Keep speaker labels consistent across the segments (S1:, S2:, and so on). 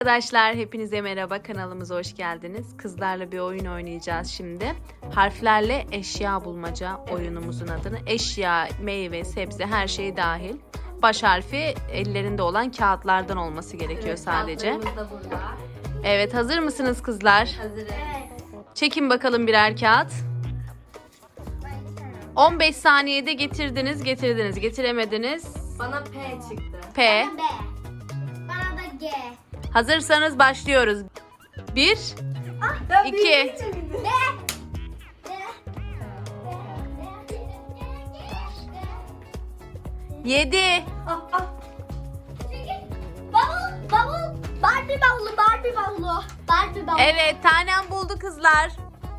S1: Arkadaşlar hepinize merhaba, kanalımıza hoş geldiniz. Kızlarla bir oyun oynayacağız şimdi. Harflerle eşya bulmaca oyunumuzun adını. Eşya, meyve, sebze her şey dahil. Baş harfi ellerinde olan kağıtlardan olması gerekiyor sadece.
S2: Kağıtlarımız da burada.
S1: Evet, hazır mısınız kızlar?
S2: Hazırız.
S1: Çekin bakalım birer kağıt. 15 saniyede getirdiniz, getiremediniz.
S2: Bana P çıktı.
S1: P.
S3: B. Bana da G.
S1: Hazırsanız başlıyoruz. 1,
S2: Ben
S1: 2.
S3: B.
S1: 7.
S3: Bavul. Barbie bavulu.
S1: Evet, tanem buldu kızlar.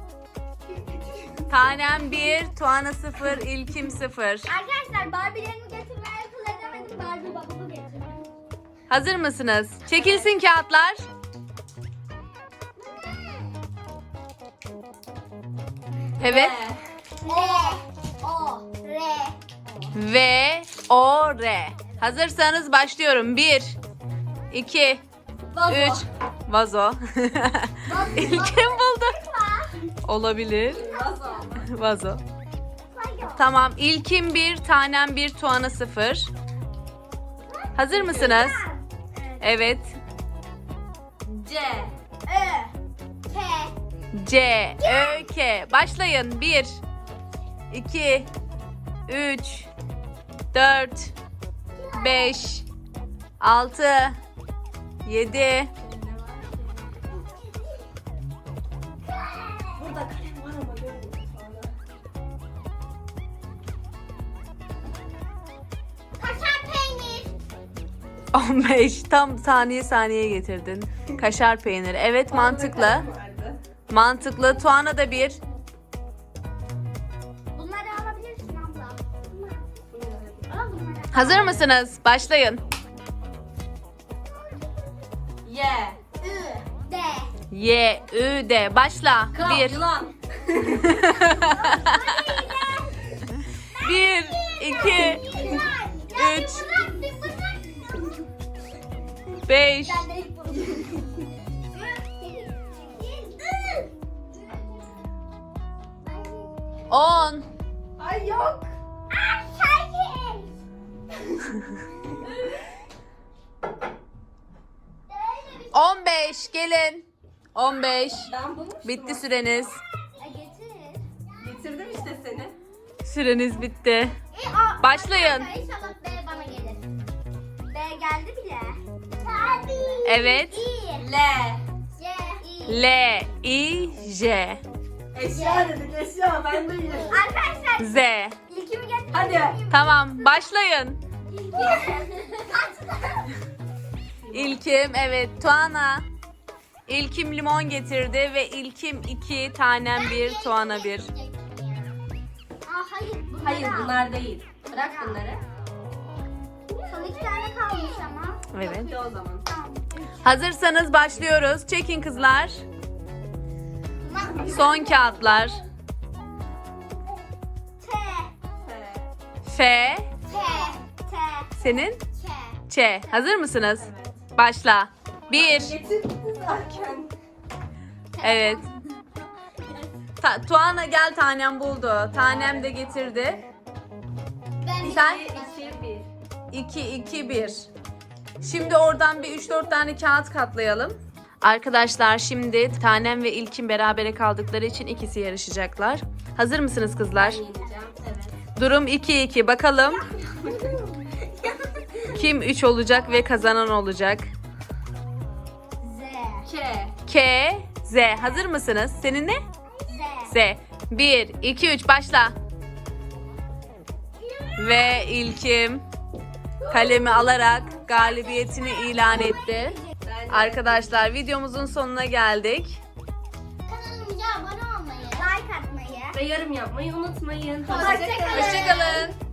S1: Tanem 1, Tuana 0, İlkim 0.
S3: Arkadaşlar Barbie'lerimi getirmeye akıl edemedim. Barbie bavulu getirdim.
S1: Hazır mısınız? Çekilsin kağıtlar. Evet.
S3: R.
S1: V, O, R. Hazırsanız başlıyorum. 1, 2, 3. Vazo. İlkim buldu. Olabilir. Vazo. Tamam. İlkim 1, tanem 1, Tuana 0. Hazır mısınız? Evet.
S2: C.
S3: Ö. K.
S1: C, Ö, K. Başlayın. 1, 2, 3, 4, 5, 6, 7.
S2: Burada kalem var ama görmüyorum.
S1: 15. Tam saniye getirdin. Kaşar peyniri. Evet, mantıklı. Mantıklı. Tuana da 1.
S3: Bunları alabilirsin abla. Al bunları.
S1: Hazır mısınız? Başlayın.
S2: Y.
S3: Ü. D.
S1: Y, Ü, D. Başla.
S2: K.
S1: 1,
S2: Yılan.
S1: 1, 2, 3, 5, 10.
S2: Ay yok.
S1: 15. Gelin. 15.
S2: Ben bulmuştum.
S1: Bitti süreniz.
S2: Getirdim işte seni.
S1: Süreniz bitti. Başlayın.
S3: İnşallah B bana gelir. B geldi bile.
S1: Evet.
S2: L.
S1: L, I, J.
S2: Eşya dedik eşya. Ben de yerim.
S3: Arkadaşlar
S1: Z.
S3: ilkimi getirdim.
S2: Hadi.
S1: Tamam, başlayın. İlkim, evet. Tuana. İlkim limon getirdi ve İlkim 2, tanem 1, Tuana 1.
S3: Hayır.
S2: Hayır bunlar değil. Bırak bunları.
S3: Son 2 tane kalmış ama.
S1: Evet.
S2: Yapıyor o zaman.
S3: Tamam.
S1: Hazırsanız başlıyoruz. Çekin kızlar. Son kağıtlar.
S3: T.
S1: F.
S3: T.
S1: Senin?
S3: Ç.
S1: Ç. Hazır mısınız? Başla. 1.
S2: Getirdim zaten.
S1: Evet. Tuana gel, tanem buldu. Tanem de getirdi.
S3: Ben
S1: Sen?
S2: 2, 1.
S1: 2, 2, 1. Şimdi oradan bir 3-4 tane kağıt katlayalım. Arkadaşlar şimdi tanem ve İlkin berabere kaldıkları için ikisi yarışacaklar. Hazır mısınız kızlar?
S2: Yeneceğim. Evet.
S1: Durum 2-2. Bakalım kim 3 olacak ve kazanan olacak?
S3: Z.
S2: K.
S1: K, Z. Hazır mısınız? Senin ne?
S3: Z.
S1: Z. 1, 2, 3 başla. Ve İlkim kalemi alarak galibiyetini ilan etti. Arkadaşlar videomuzun sonuna geldik.
S3: Kanalımıza abone olmayı, like atmayı,
S2: Ve yorum yapmayı unutmayın.
S3: Hoşça kalın.
S1: Hoşçakalın.